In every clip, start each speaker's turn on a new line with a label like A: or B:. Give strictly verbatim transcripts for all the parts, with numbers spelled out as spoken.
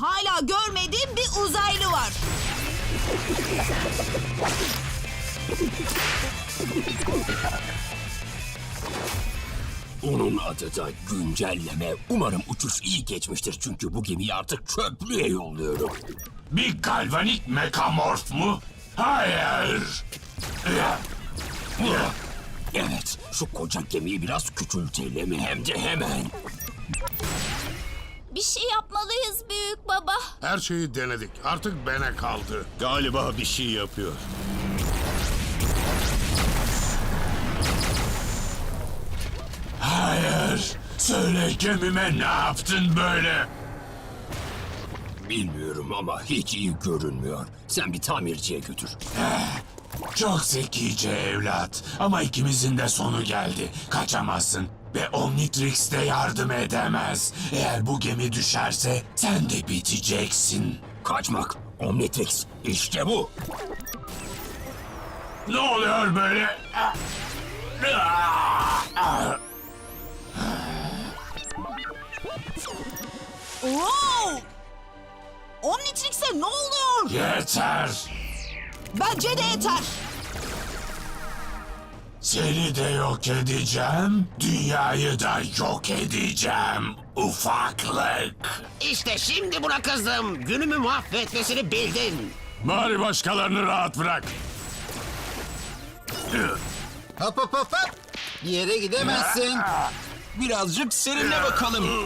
A: hala görmediğim bir uzaylı var.
B: Onun adı da güncelleme. Umarım uçuş iyi geçmiştir çünkü bu gemiyi artık çöplüğe yolluyorum.
C: Bir galvanik mekamorf mu? Hayır.
B: Evet, şu koca gemiyi biraz küçültelim hem de hemen.
D: Bir şey yapmalıyız büyük baba.
E: Her şeyi denedik. Artık bana kaldı.
F: Galiba bir şey yapıyor.
C: Hayır. Söyle gemime ne yaptın böyle?
B: Bilmiyorum ama hiç iyi görünmüyor. Sen bir tamirciye götür.
C: Çok zekice evlat. Ama ikimizin de sonu geldi. Kaçamazsın. Ve Omnitrix de yardım edemez. Eğer bu gemi düşerse sen de biteceksin.
B: Kaçmak, Omnitrix, işte bu.
C: Ne oluyor böyle?
A: Wow! Omnitrix'e ne oluyor?
C: Yeter.
A: Bence de yeter.
C: Seni de yok edeceğim. Dünyayı da yok edeceğim. Ufaklık.
G: İşte şimdi buna kızdım. Günümü mahvetmesini bildin.
C: Bari başkalarını rahat bırak.
H: Hop hop hop hop. Bir yere gidemezsin.
B: Birazcık serinle bakalım.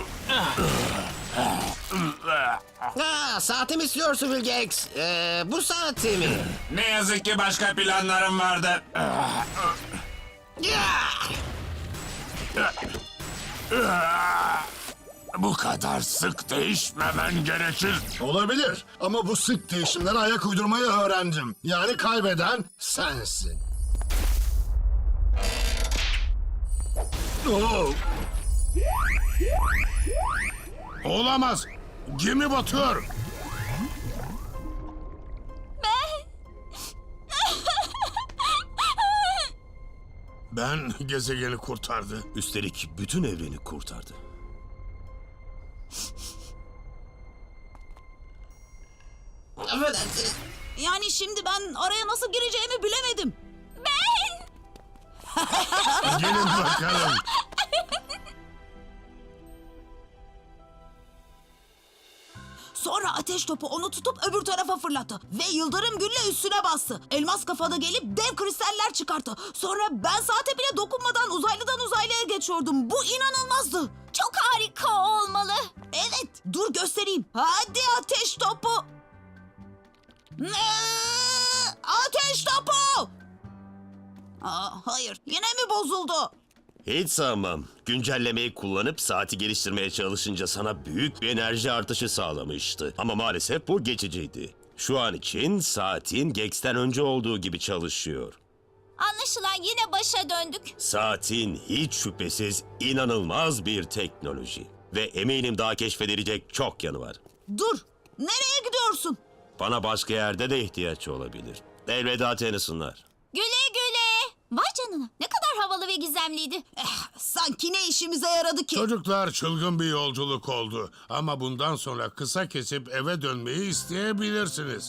G: Ha, saati mi istiyorsun Vilgex? Ee, bu saati mi?
C: Ne yazık ki başka planlarım vardı. Bu kadar sık değişmemen gerekir.
E: Olabilir ama bu sık değişimlere ayak uydurmayı öğrendim. Yani kaybeden sensin. Oo. Olamaz. Gemi batıyor. Ben gezegeni kurtardı.
F: Üstelik bütün evreni kurtardı.
G: Affedersiniz.
A: Yani şimdi ben araya nasıl gireceğimi bilemedim.
E: Gelin bakalım.
A: Sonra ateş topu onu tutup öbür tarafa fırlattı. Ve yıldırım gülle üstüne bastı. Elmas kafada gelip dev kristaller çıkarttı. Sonra ben saate bile dokunmadan uzaylıdan uzaylıya geçiyordum. Bu inanılmazdı.
D: Çok harika olmalı.
A: Evet, dur göstereyim. Hadi ateş topu. Ee, Ateş topu. Aa, hayır, yine mi bozuldu?
F: Hiç sanmam. Güncellemeyi kullanıp saati geliştirmeye çalışınca sana büyük bir enerji artışı sağlamıştı. Ama maalesef bu geçiciydi. Şu an için saatin Gex'ten önce olduğu gibi çalışıyor.
D: Anlaşılan yine başa döndük.
F: Saatin hiç şüphesiz inanılmaz bir teknoloji. Ve eminim daha keşfedilecek çok yanı var.
A: Dur, nereye gidiyorsun?
F: Bana başka yerde de ihtiyaç olabilir. Elveda Tennyson'lar.
D: Güle güle. Vay canına, ne kadar havalı ve gizemliydi.
A: Eh, sanki ne işimize yaradı ki?
E: Çocuklar, çılgın bir yolculuk oldu. Ama bundan sonra kısa kesip eve dönmeyi isteyebilirsiniz.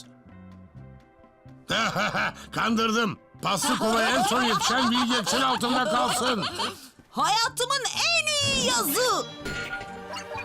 E: Kandırdım. Paslı kovaya en son yetişen Vilgex'in altında kalsın.
A: Hayatımın en iyi yazı.